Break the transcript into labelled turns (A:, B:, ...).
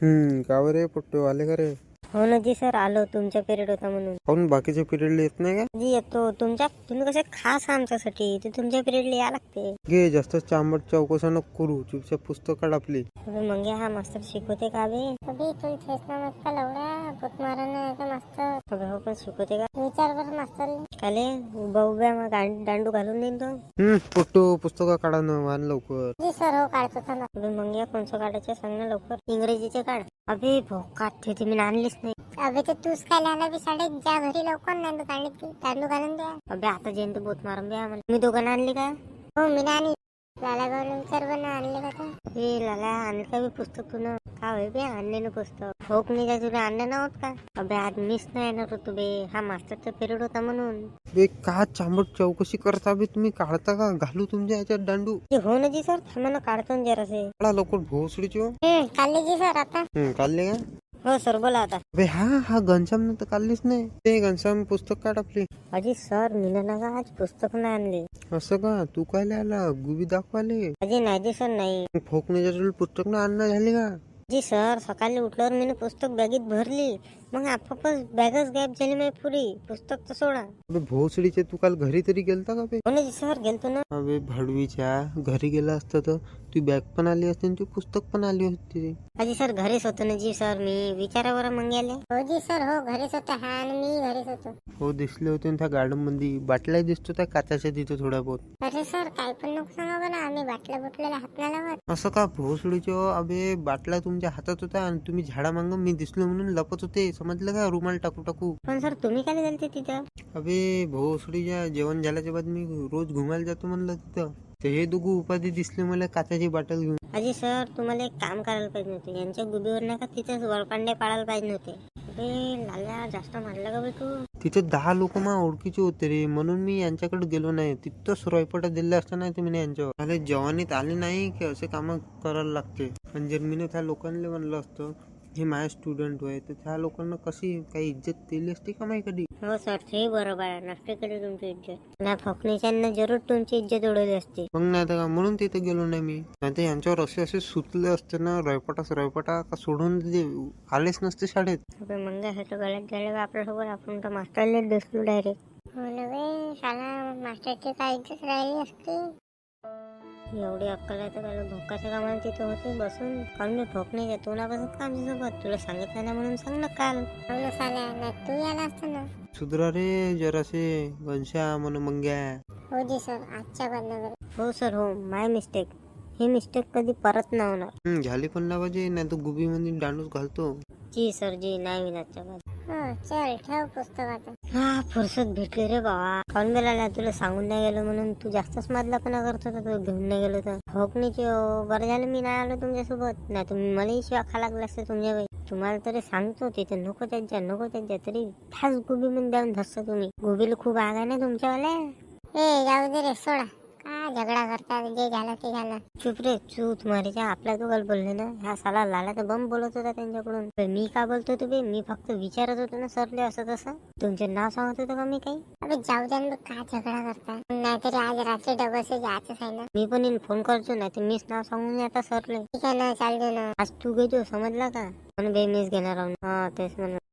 A: का बरे पोट्टे आले का रे?
B: हो ना जी सर, आलो. तुमचा पिरियड होता म्हणून.
A: काहून बाकीच्या पिरियडला येत नाही का?
B: जी येतो. तुम्ही कसे खास आमच्यासाठी, ते तुमच्या पिरियडला या लागते.
A: घे, जास्त चांबट चौकशा नको करू. चुपचाप पुस्तक काढ आपली.
B: मग हा मास्तर शिकवते का बे?
C: अबे तुम फेसना मस्त लवड्या बुक मारायला का मस्त
B: हो पण शिकवते का?
C: विचार बरं मास्तर
B: काले उभ्या मग दांडू घालून देईन तो.
A: पोट्टो पुस्तक काढा ना, वान लवकर.
C: जी सर हो काढतो थांबा.
B: मग या कोणचं काढायचं सांग ना लवकर. इंग्रजीचे काढ. अबे भोकात ठेवते, मी आणलीच नाही.
C: अबे ते तूच काय लाला बी साडे ज्या घरी लवकर नांदू काढली तांदू घालून द्या.
B: अबे आता जयंत बोत मारून द्या आम्हाला. मी दोघांना आणली का?
C: हो मी नाही लाला गावला विचार बरं आणले का ते?
B: हे लाला आणलं का बी पुस्तक तुला? का होय बे आणले ना पुस्तक? होक नाही का तुला आणलं नव्हत का? अबे आज मिस नाही येणार होतो बे, हा मास्टरचा पिरियड होता म्हणून.
A: बे का चांबट चौकशी करता बे तुम्ही? काढता का? घालू तुमच्या याच्यात दांडू.
B: हो ना जी सर, थांबा ना, काढतो ना जरासे.
A: काढा लवकर भोसडीची हो.
C: काढले जी सर आता.
A: काढले का?
B: हो सर बोला आता.
A: बे हा घनश्याम तर काढलीच नाही. ते घनश्याम पुस्तक काढ आपली.
B: अजी सर, मी ना आज पुस्तक नाही आणले.
A: असं का? तू काय आला गुबी दाखवाले?
B: अजी नाही जी सर, नाही.
A: फोक नाही पुस्तक ना आणणं झाले का?
B: जी सर, सकाळी उठल्यावर मी पुस्तक बॅगेत भरली, मग आपापच बॅगच गॅप झाली माझी पुरी. पुस्तक तर सोडा.
A: अबे भोसडीचे, तू काल घरी तरी गेलता का बे?
B: हो ना जी सर, गेलतो ना.
A: अबे भडवीच्या घरी गेला असता तर तू बॅग पण आली असती आणि तू पुस्तक पण आली होती.
B: अजी सर, घरीच होतो ना जी सर, मी विचारावर मग गेले.
C: हो जी सर हो घरीच होता हा आणि मी घरीच होतो.
A: हो दिसले होते ना त्या गार्डन मध्ये. बाटल्या दिसतो त्या काचाच्या तिथे थोड्या बहुत.
C: अरे सर काय पण नको सांगा बरं, आम्ही बाटल्या बुटलेला हात नाही लावत.
A: असं का भोसडीचे? अबे बाटल्या तुमच्या हातात होत्या आणि तुम्ही झाडामांग मी दिसलो म्हणून लपत होते, समजलं का? रुमाल टाकू टाकू.
B: पण सर तुम्ही काय गेलते तिथं?
A: अबे भोसडीच्या जेवण झाल्याच्या बाद मी रोज घुमायला जातो म्हणलं तिथं. तर हे दोघं उपाधी दिसले मला काचाची बाटल घेऊन.
B: अजी सर, तुम्हाला एक काम करायला पाहिजे होते. यांच्या गुबीवर नाही का तिथेच वरपांडे पाडायला पाहिजे होते. अबे लाल्या, जास्त मारलं का बे तू?
A: तिथे 10 लोक मा ओळखीचे होते रे, म्हणून मी यांच्याकडे गेलो नाही. तिथंच रॉयपटा दिले असता नाही तुम्ही यांच्यावर. अरे जवानीत आले नाही की असे काम करायला लागते. पण जर मी त्या लोकांना म्हणलं असतं हे माझे स्टुडंट होय, तर त्या लोकांना कशी काही इज्जत दिली असती का माही कधी?
B: हो सर, ते बरोबर आहे. नसते केली तुमची इज्जत. ना फकणीच्यांना जरूर तुमची इज्जत उडवली असती.
A: मग नाही तर का, म्हणून तिथे गेलो नाही मी. नाही तर यांच्यावर असे सुचले असते ना रॉयपटा का सोडून आलेच नसते शाळेत.
B: अबे मंगा, हे तर गलत झालं आपल्यासोबत. आपण तर मास्टरला दिसलो डायरेक्ट.
C: हो ना बे, शाळा मास्टरची काय इज्जत राहिली असती.
B: एवढी अक्कल आहे तर त्याला भोकाच्या कामाला तिथे होते बसून. काल मी भोक नाही जातो ना बसून आमच्यासोबत. तुला सांगितलं ना म्हणून सांग ना काल.
C: हो ना साल्या, नाही तू याला असतं ना.
A: सुधरा रे जरासे घनश्याम म्हणून मंग्या.
C: हो जी सर, आजच्या बदनावर.
B: हो सर हो, माय मिस्टेक. ही मिस्टेक कधी परत नाही होणार.
A: झाली पण ना पाहिजे, नाही तर गुबी मध्ये दांडूच घालतो.
B: जी सर जी, नाही विनाच्या बाद.
C: हो चल ठेव पुस्तक आता.
B: हा फुरसत भेटली रे बाबा. काऊन गेला? तुला सांगून नाही गेलो म्हणून तू जास्तच मधलापणा करत होता. तू घेऊन नाही गेलो तर होकनीची. बरं झालं मी नाही आलो तुमच्यासोबत, नाही तुम्ही मलाही शिवा खा लागला असते तुमच्या वेळी. तुम्हाला तरी सांगतो तिथे नको त्यांच्या तरी फास गुबी मध्ये जाऊन धसता तुम्ही. गुबीला खूप आग आहे ना तुमच्यावाल्या.
C: ए जाऊ दे रे, सोडा. का झगडा करता? जे झालं ते झालं.
B: चुप रे, तू तुम्हारीच्या आपल्या दोघाला बोलले ना. हा साला लाला तर बम बोलत होता त्यांच्याकडून. मी का बोलतो तुम्ही? मी फक्त विचारत होतो ना सरले असं तसं. तुमचे नाव सांगत होतं का मी काही?
C: अबे जाऊ दे ना, का झगडा करता? नाहीतरी आज रात्री डबल जायचंच आहे ना.
B: मी पण फोन करतो, नाही तर मीच नाव सांगून आता सरले.
C: ठीक आहे ना, चालते ना.
B: आज तू घेतो समजला का? म्हणून बे मीच घेणार आहो. हा तेच म्हणून.